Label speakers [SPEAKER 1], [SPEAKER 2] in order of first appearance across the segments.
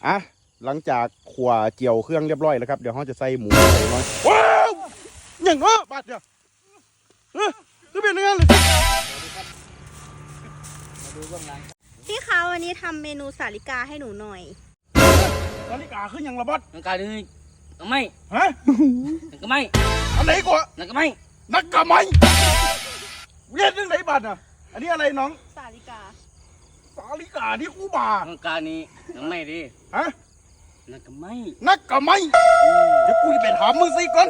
[SPEAKER 1] อ่ะหลังจากขั่วเจียวเครื่องเรียบร้อยแล้วครับเดี๋ยวเราจะใส่หมูใส่น้อยว้าวอย่างอ้อบาดเดียวคือเป็นยังไงเลย
[SPEAKER 2] พี่คะวันนี้ทำเมนูสาลิกาให้หนูหน่อย
[SPEAKER 1] นาฬิกาขึ้นยังระบาด
[SPEAKER 3] นักการนี่ก็ไม่
[SPEAKER 1] ฮะ
[SPEAKER 3] นักก็ไม่
[SPEAKER 1] อันไหนกว่า
[SPEAKER 3] นักก็ไม่
[SPEAKER 1] นักกะไม่เรียนเรื่องไหนบัดอ่ะอันนี้อะไรน้อง
[SPEAKER 2] สาลิกา
[SPEAKER 1] สาลิกาที่คู่บ่า
[SPEAKER 3] นักการนี่นักไม่ดิ
[SPEAKER 1] ฮะ
[SPEAKER 3] นักก็ไม่
[SPEAKER 1] นักกะไม่เดี๋ยวกูจะไปถามมึงสิก่อน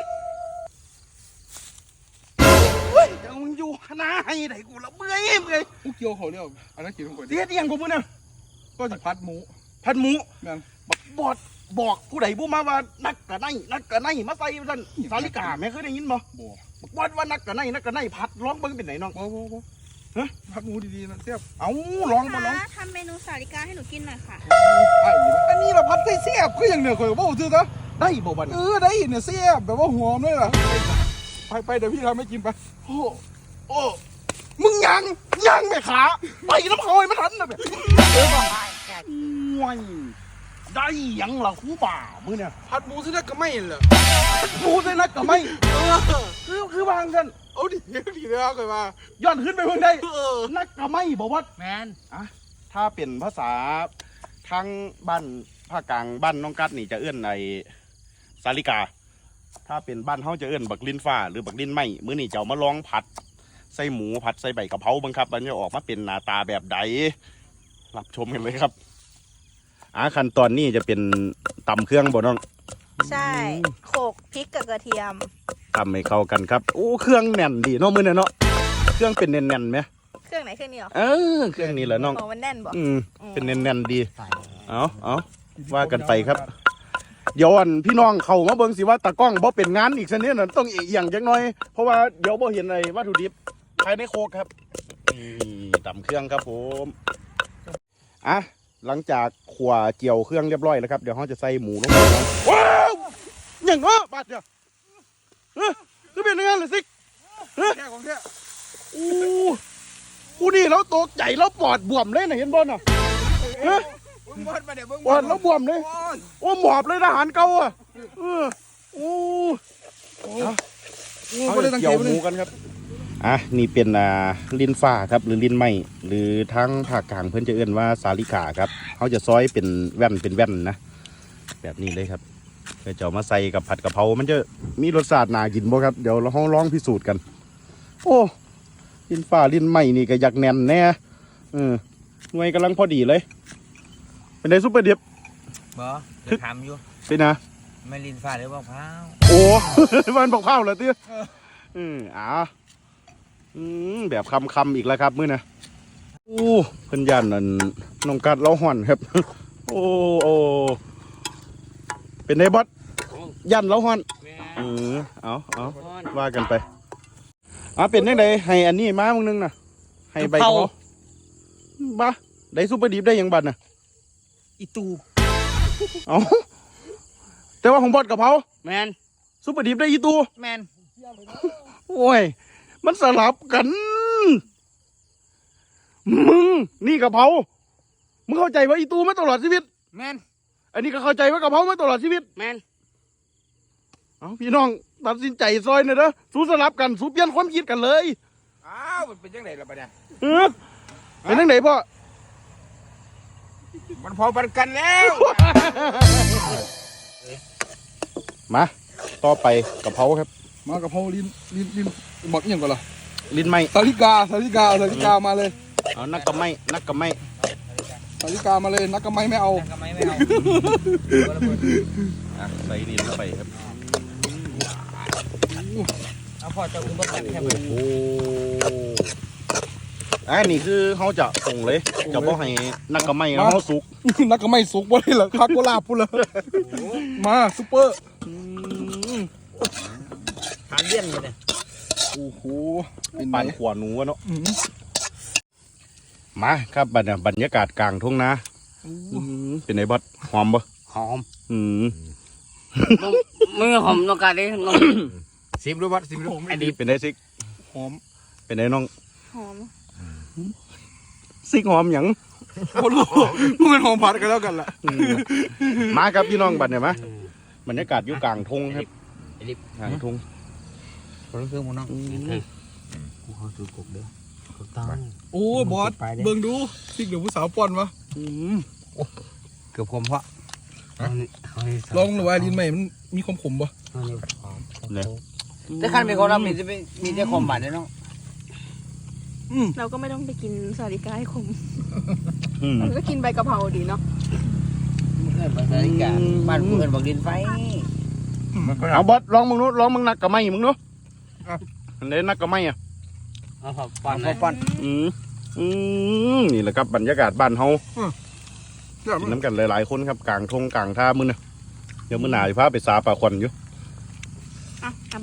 [SPEAKER 1] เฮ้ยเดี๋ยวมึงอยู่หน้าให้ไหนกูละเมื่อย
[SPEAKER 4] กูเกี่ยวเขาเนี่ยอันนั้นกินของกู
[SPEAKER 1] เสียเตียงกูมึงเนี่ย
[SPEAKER 4] ก็จะพัดหมู
[SPEAKER 1] นั่นบอกผู้ใดผู้มาว่านักกะไนมาใส่ท่านสาลิกาแม่เคยได้ยินบ่บอกว่านักกะไนพัดร้องเบิ้งเป็นไหนน้อง
[SPEAKER 4] บ่ฮะพัดหมูดีๆนะเสียบ
[SPEAKER 1] เอาร้องบ่ร้อง
[SPEAKER 2] ทำเมนูสาลิกาให้หนูกินหน่อยค่ะ
[SPEAKER 4] อันนี้เราพัดเสียบคืออย่างเหนือข่อยบ่ซื้อซะ
[SPEAKER 1] ได้บ่บัด
[SPEAKER 4] ได้เนี่ยเสียบแบบว่าหอมด้วยล่ะไปเดี๋ยวพี่ทำให้กินไป
[SPEAKER 1] โอ้มึงยังแม่ขาไปน้ำเขาให้มันทันนะแบบว้ายได้ยังล่ะครูป่ามึงเนี่ย
[SPEAKER 4] พัดหมูซื้อได้ก็ไม่เหรอ
[SPEAKER 1] ดูเลยนะก็ไม่คือวางกัน
[SPEAKER 4] เอาดิเลยเคยมา
[SPEAKER 1] ย้อนขึ้นไปเพิ่งได้นักก็ไม่บอกว่า
[SPEAKER 3] แมน
[SPEAKER 1] อ่ะถ้าเป็นภาษาทางบ้านภาคกลางบ้านน้องกัดนี่จะเอื้อนในสาลิกาถ้าเป็นบ้านเฮาจะเอื้อนบักลิ้นฟ้าหรือบักลิ้นไหมมื้อนี้จะมาลองผัดใส่หมูผัดใส่ใบกะเพราบังครับมันจะออกมาเป็นหน้าตาแบบใดรับชมกันเลยครับขั้นตอนนี้จะเป็นตำเครื่องบ่น้อง
[SPEAKER 2] ใช่โขลกพริกกับกระเทียม
[SPEAKER 1] ตำให้เข้ากันครับโอ้เครื่องแน่นดีเนาะมื้อนี้เนาะเครื่องเป็นแน่นๆไหม
[SPEAKER 2] เครื่องไหนเครื่องนี้หรอ
[SPEAKER 1] เครื่องนี้แหละน้อง
[SPEAKER 2] มันแน่นบ่
[SPEAKER 1] เป็นแน่นๆดีเอาว่ากันไปครับเดี๋ยวพี่น้องเข้ามาเบิ่งสิว่าตากล้องบ่เป็นงานอีกสักนิดน่ะต้องเอียงจักหน่อยเพราะว่าเดี๋ยวบ่เห็นไอ้วัตถุดิบภายในโคกครับนี่ตำเครื่องครับผมหลังจากขั่วเจียวเครื่องเรียบร้อยแล้วครับเดี๋ยวเราจะใส่หมูลงไปว้าวอย่างบาดเดียวคือเป็นยังไงเลยสิ
[SPEAKER 4] แค่ของแค่
[SPEAKER 1] กูนี่แล้วตกใจแล้วปอดบวมเลยนะเห็นบอลน่ะปอดแล้วบวมเลยโอ้หมอบเลยทหารเก่าอ่ะเอาเกี่ยวหมูกันครับนี่เป็นลิ้นฟ้าครับหรือลิ้นไหมหรือทั้งภาคกลางเพื่อนจะเอื้อนว่าสาลิกาครับเขาจะซอยเป็นแว่นนะแบบนี้เลยครับเดี๋ยวจะมาใส่กับผัดกะเพรามันจะมีรสชาติน่ากินบ่ครับเดี๋ยวเราลองพิสูจน์กันโอ้ลิ้นฟ้าลิ้นไหมนี่ก็อยากแน่นแน่หน่วยกำลังพอดีเลยเป็นไงซุปเปอร์ดิบ
[SPEAKER 3] บ่ทำอยู่
[SPEAKER 1] เป็นนะ
[SPEAKER 3] ไม่ลิ้นฟ้าหรือบอกเผา
[SPEAKER 1] โอ้มันบอกเผาเหรอเตี้ยแบบคำอีกแล้วครับมื้อนะเพิ่นยันนั่นน้องกัดเล้าห่อนครับโอ้เป็นไงบอสยันเล้าห่อนเอาว่ากันไปเป็นยังไงให้อันนี้มามึงนึงนะให้ใบเขาบ้าได้ซุปเปอร์ดิบได้ยังบัดน่ะ
[SPEAKER 3] อีตู
[SPEAKER 1] แต่ว่าของบอสกับเขา
[SPEAKER 3] แมน
[SPEAKER 1] ซุปเปอร์ดิบได้อีตู
[SPEAKER 3] แมน
[SPEAKER 1] โอ้ยมันสลับกันมึงนี่กะเพรามึงเข้าใจว่าอีตูมาตลอดชีวิต
[SPEAKER 3] แมน
[SPEAKER 1] อันนี้ก็เข้าใจว่ากะเพรามาตลอดชีวิต
[SPEAKER 3] แมน
[SPEAKER 1] พี่น้องตัดสินใจซอยหน่อยนะสู้สลับกันสู้เปลี่ยนความคิดกันเลย
[SPEAKER 4] มันเป็นยังไงล่ะปะเนี่ย
[SPEAKER 1] เป็นยังไงพ่อ
[SPEAKER 4] มันพอปันกันแล้ว
[SPEAKER 1] มาต่อไปกะเพราครับ
[SPEAKER 4] มากะเพราลิ้นบอกอย่างก่อนล่ะ
[SPEAKER 1] ลิ้นไหม
[SPEAKER 4] สาลิกามาเลย
[SPEAKER 1] เอานักกะไม่
[SPEAKER 4] สาลิกามาเลยนักกะไม่เอา
[SPEAKER 1] ใส่นี่ลงไปครับ
[SPEAKER 3] เอาพอจะอุ้มบัตรแค่
[SPEAKER 1] โอ้นี่คือเขาจะส่งเลยจะบอกให้นักกะไม่เขาสุก
[SPEAKER 4] นักกะไม่สุกบ่ได้เหรอคักโกลาพูดเลยมาซุปเปอร์
[SPEAKER 3] ทานเลี่ยนเลยเนี่ย
[SPEAKER 4] โอ้โห
[SPEAKER 1] เป็นปานขวาหนูเนาะมาครับบรรยากาศกลางทุ่งนาเป็นไงบอสหอมปะ
[SPEAKER 3] หอม
[SPEAKER 1] มึง
[SPEAKER 3] หอมนกกาดิน้อง
[SPEAKER 4] ซิมดูบอสซิมดู
[SPEAKER 1] ไอ้ดีเป็นไงซิก
[SPEAKER 4] หอม
[SPEAKER 1] เป็นไงน้อง
[SPEAKER 2] หอม
[SPEAKER 1] ซิกหอมหยัง
[SPEAKER 4] คนรู้มึงเป็นของพัดกันแล้วกันล่ะ
[SPEAKER 1] มาครับพี่น้องบัดเนี่ยมาบรรยากาศอยู่กลางทงครับ
[SPEAKER 3] ไอ้ลิฟ
[SPEAKER 1] กลางทง
[SPEAKER 3] คนเครื่องมึงน้องกูเขาซื้อกบเด้อถูกต้อง
[SPEAKER 4] โอ้ยบอสเบิ่งดูซิกเดี๋ยวผู้สาวป้อนวะ
[SPEAKER 3] เกือบคมเพราะ
[SPEAKER 4] ลองหรือว่าลิ้นใหม่มันมีความขมปะ
[SPEAKER 3] แต่ขั้นเป็นคนเรามีแต่คมบาดเลยน้อง
[SPEAKER 2] เราก็ไม่ต้องไปกินสาลิกาให้ขม
[SPEAKER 1] อืม
[SPEAKER 2] เราก็กินใบกะเพราดีเนาะ
[SPEAKER 3] เพื่อนภาษาอีกาบ้านเพื่อนบอกดินไฟ
[SPEAKER 1] เอาบอสลองมึงนู้ลองมึงนักกับไม้มึงนู้อันนี้นักกับไม้อ่ะ
[SPEAKER 3] เอาพอปั้นปั้น
[SPEAKER 1] นี่แหละครับบรรยากาศบ้านเฮา
[SPEAKER 4] เดี๋ยว
[SPEAKER 1] กินน้ำกันหลายๆคนครับกลางทงกลางท่ามื้อนะเดี๋ยวมื้อหน้าสิพาไปสาป่าควันอยู่
[SPEAKER 2] อ่ะเอาไป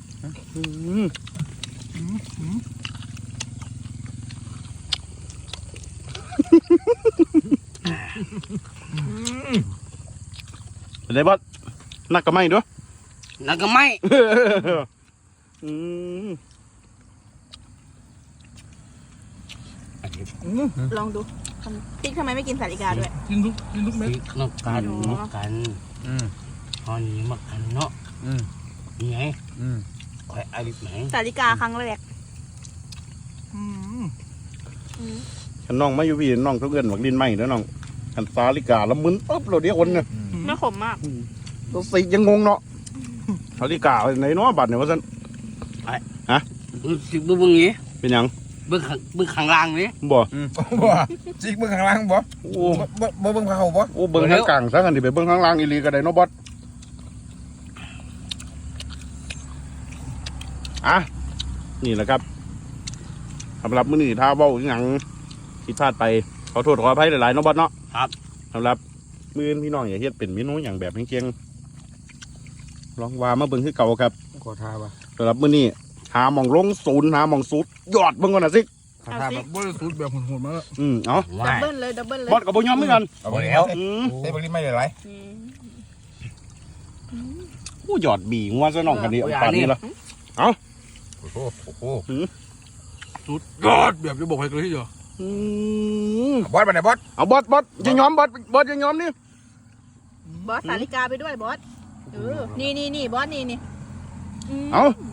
[SPEAKER 1] เป็นไรบอสนักกับไม้ด้วย
[SPEAKER 3] แล้วก็ไม่
[SPEAKER 1] อืม
[SPEAKER 2] ลองดูติ๊กทำไมไม่กินสาลิกาด้วย
[SPEAKER 4] กินทุกเม็ด
[SPEAKER 3] นกกันนกกันตอนนี้มากันเนาะนี่ไงคอยอาลิฟไหน
[SPEAKER 2] สาลิกาครั้งแรก
[SPEAKER 1] ฉันน้องมาอยู่พี่น้องทุกเอิ้นบอกดินไม้เด้อน้องคันสาลิกาแล้วมึนปึ๊บเราเดี๋ยวคนเนี่ย
[SPEAKER 2] ไม่ขมมาก
[SPEAKER 1] ตัวสิยังงงเนาะสาลิกาไหนเนาะบัดเนี่ยว่าซั่น
[SPEAKER 3] สิบึ้งนี้
[SPEAKER 1] เป็นหยัง
[SPEAKER 3] บึ้งข้างล่างนี่
[SPEAKER 1] บ่
[SPEAKER 4] บ่จิกเบิ่งข้างล่างบ่
[SPEAKER 1] โอ้
[SPEAKER 4] บ่เบิ่งเขาบ่
[SPEAKER 1] โอ้เบิ่งทางกลางซะกันดิไปเบิ่งข้างล่างอีหลีก็ได้เนาะบอสอ่ะนี่แหละครับสำหรับมื้อนี้ถ้าเว้าอีหยังผิดพลาดไปขอโทษขออภัยหลายๆเนาะบอสเนาะ
[SPEAKER 3] ครับ
[SPEAKER 1] สำหรับมื้อนี้พี่น้องอย่าเฮ็ดเป็นเมนูอย่างแบบเก่งๆลองว่ามาเบิ่งคือเก่าครับ
[SPEAKER 3] ขอทาป่ะ
[SPEAKER 1] สำหรับมื้อนี้หาหม่องลงศูนย์หาหม่องสุดยอดเบิ่งก่อนน่ะสิ
[SPEAKER 3] ขอทา
[SPEAKER 4] แบ
[SPEAKER 3] แบบ
[SPEAKER 4] บ่ได้สูตรแบบโหดๆมาแล้ว
[SPEAKER 1] เอา
[SPEAKER 2] ดับเบิลเลยดับเบิลเลย
[SPEAKER 1] บอสกับบ่ยอมเหมือนกัน
[SPEAKER 3] เอาแล้ว
[SPEAKER 4] ใส่บริไม่ได้ไร
[SPEAKER 1] โอ้ยอดบีงัวซะน้องกันนี่เอาปานนี้ละ
[SPEAKER 4] โอ้โหสุดยอดแบบจะบอกให้เลยทีเดียว
[SPEAKER 5] บอสมาไหนบอส
[SPEAKER 1] เอาบอสจะยอมบอสจะยอมนี่
[SPEAKER 2] บอสสาลิกาไปด้วยบอสนี่บอสนี่
[SPEAKER 1] เอา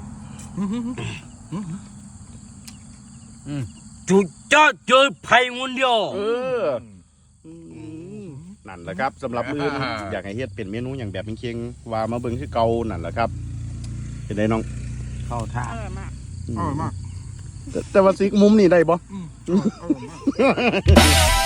[SPEAKER 3] จุดจ้าเจอไผ่คนเดียว
[SPEAKER 1] นั่นแหละครับสำหรับมื้อนี้อยากให้เฮ็ดเป็นเมนูอย่างแบบเคียงๆว่ามาเบิ่งคือเก่านั่นแหละครับเป็นไดน้อง
[SPEAKER 3] เข้าท่า
[SPEAKER 2] อร่อยมาก
[SPEAKER 4] อร่อยมาก
[SPEAKER 1] แต่ว่าซิกมุมนี่ได้บ่
[SPEAKER 4] อร่อยมาก